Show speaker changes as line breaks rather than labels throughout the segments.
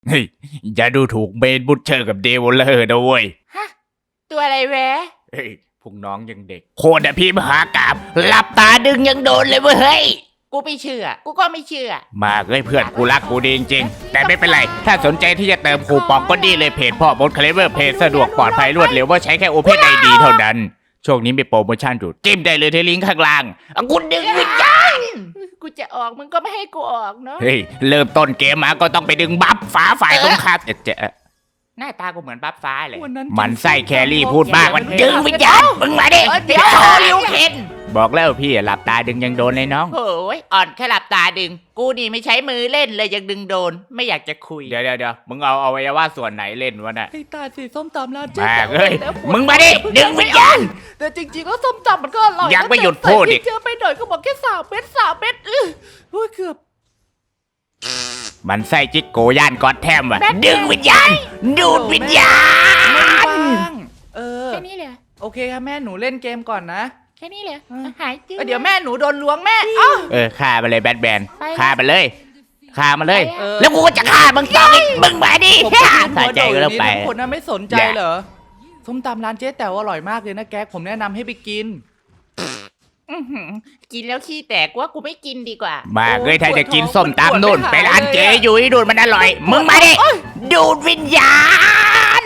เฮ้ยอย่าดูถูกเบนบุชเชอร์กับเดวลเลอร์นะเว้ย
ฮะ ตัวอะไรแวะ
เฮ้ยพวกน้องยังเด็กโคตรพี่มหากาบหลับตาดึงยังโดนเลยเว้ยเฮ้ย
กูไม่เชื่อ กูก็ไม่เชื่อ
มาเอ้ยเพื่อนกูรักกูดีจริงๆแต่ไม่เป็นไรถ้าสนใจที่จะเติมคูปองก็ดีเลยเพจพ่อบดเคลเวอร์เพจสะดวกปลอดภัยรวดเร็วว่าใช้แค่ Open ID เท่านั้นช่วงนี้มีโปรโมชั่นอยู่จิ้มได้เลยที่ลิงก์ข้างล่างกูดึงวิญญาณ
กูจะออกมึงก็ไม่ให้กูออกเนาะ
เฮ้ยเริ่มต้นเกมมาก็ต้องไปดึงบัฟฟ้าฝ่ายตรงข้ามหน้าตากูเหมือนบัฟฟ้าเลยมันไส้แครี่พูดมากมันดึงวิญญาณมึงมาดิ
เดี๋ยวลิวเคน
บอกแล้วพี่หลับตาดึงยังโดนเลยน้อง
โอ้ยอ่อนแค่หลับตาดึง กูนี่ไม่ใช้มือเล่นเลยยังดึงโดน ไม่อยากจะคุย
เดี๋ยวมึงเอาอวัยวะส่วนไหนเล่นวะน่ะ
ไอ้ตาสีส้มตำร้านเจ๊
แม่
แต๋ว
เอ้ย
แล้ว
มึงมาดิดึงวิญญาณ
แต่จริงๆแล้วส้มตำมันก็อร่อย
ยังไม่หยุด
แต่
พูดอีก
ใส่พริเยอะไปหน่อยก็บอกแค่3 เม็ดโอ้ยเกือบ
มันไส้จิกโกย่านกอดแทมว่ะดึงวิญญาณดูดวิญญาณ
แค่
แค่นี้เลย
โอเคครับแม่หนูเล่นเกมก่อนนะ
แค่นี้เลยหายจืด
เดี๋ยวแม่หนูโดนล้วงแม่เอ้า
ฆ่าไปเลยแบทแมน
ไป
ฆ่าไปเลยฆ่ามาเลย
เออ
แล้วกูก็จะฆ่ามึงต่ออีกมึงมาดิ
ผมก็ยืน
สะ
หัว
ใจ
โดด
ก็
อ
แล้ว
ยู่
ไป
นี่ทุกคนน่ะไม่สนใจเหรอส้มตำร้านเจ๊แต๋วอร่อยมากเลยนะแก๊กผมแนะนำให้ไปกิน
อื้อหือกินแล้วขี้แตกว่ากูไม่กินดีกว่า
มาเอ้ยถ้าจะกิน
ปวดท้
ส้
อง
มตำนู่น
มันปวด
ไป
ไม่หาย
ร้านเจ๊
เลยอะ
ยุ้ยดูดมันอร่อย มึงมาดิดูดวิญญาณ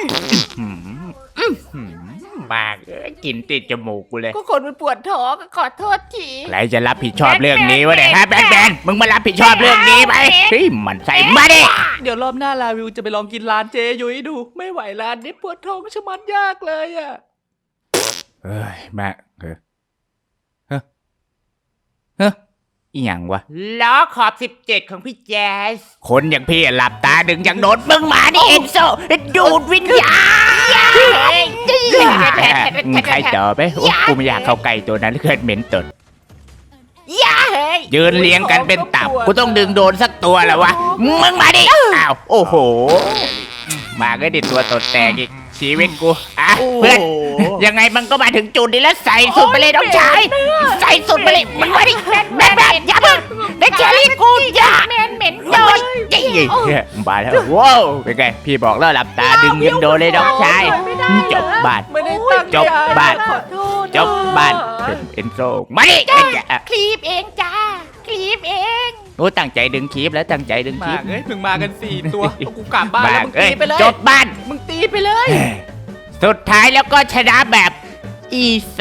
มาเอ้ยกินติดจมูกกูเลย
ก็คนมันปวดท้องก็ขอโทษที
ใครจะรับผิดชอบเรื่องนี้วะเนี่ยฮะแบทแมนมึงมารับผิดชอบเรื่องนี้ไหมเฮ้ยมันใส่มาดิ
เดี๋ยวรอบหน้าลาวิวจะไปลองกินร้านเจ๊ยุ้ยดู ไม่ไหวร้านนี้ปวดท้องชะมัดยากเลยอ่ะ
เฮ้ยแม่เฮ้ยอีหยังวะ
ล้อขอบ17ของพี่แจ๊ส
คนอย่างพี่หลับตาดึงยังโดนมึงมาดิเอ็นโซดูดวิญญาณใครต่อไปโอ้กูไม่อยากเข้าใกล้ตัวนั้นเกิดเหม็นตด
ย่าเฮ้ย
ยืนเรียงกันเป็นตับกูต้องดึงโดนสักตัวแล้ววะมึงมาดิอ้าวโอ้โหมาก็ดิตัวตดแตกอีกชีวิตกูอ่ะเพื่อนยังไงมันก็มาถึงจุดนี้แล้วใส่สุดไปเลยน้องชายใส่สุดไปเลยมึงมาดิแม่อย่าเพิ่งได้แครี่กูอย่า
เหม็น
โดนจริงมาแล้วว้าวเป็นไงพี่บอกแล้วหลับตาดึงยังโดนเลยน้องชายจบบาท
ไม่ได้ตั้งใจ
จบบ้าน
ขอโทษ
จบบ้านเอ็นโซมาดิ
คลีปเองจ้าคลีปเอง
โอ้ตั้งใจดึงคลิปแล้วตั้งใจดึงค
มา
ลิป
เอ้ยมึงมากัน4 ตัวเอากูกลับบ้านแล้วมึง
เอ้
ตี
ย
ไปเลย
จบบ้าน
มึงตีไปเลย
สุดท้ายแล้วก็ชนะแบบอีซี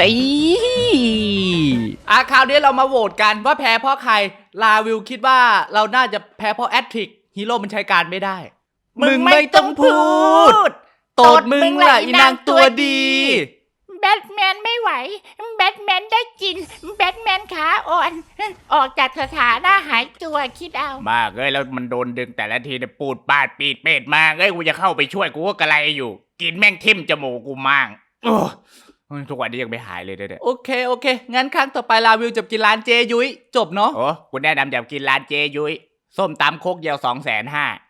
คราวนี้เรามาโหวตกันว่าแพ้เพราะใคร ลาวิวคิดว่าเราน่าจะแพ้เพราะแอตทริกฮีโร่มันใช้การไม่ได้ มึงไม่ต้องพูดโตดมึงล่ะอีนางตัวดี
แบทแมนไม่ไหวแบทแมนได้กินแบทแมนขาอ่อนออกจากสถานะหายตัวคิดเอา
มากเอ้ยแล้วมันโดนดึงแต่ละทีเนี่ยปูดปาดปีดเป็ดมากเอ้ยกูจะเข้าไปช่วยกูก็กระไรอยู่ กินแม่งทิ่มจมูกกูมั่งโอ้ทุกวันนี้ยังไม่หายเลยเนี่ย
โอเค งั้นครั้งต่อไปลาวิวจะกินร้านเจยุ้ยจบเนาะ
โอ้กูแนะนำอย่ากินร้านเจยุ้ยส้มตำโคกเดียว250,000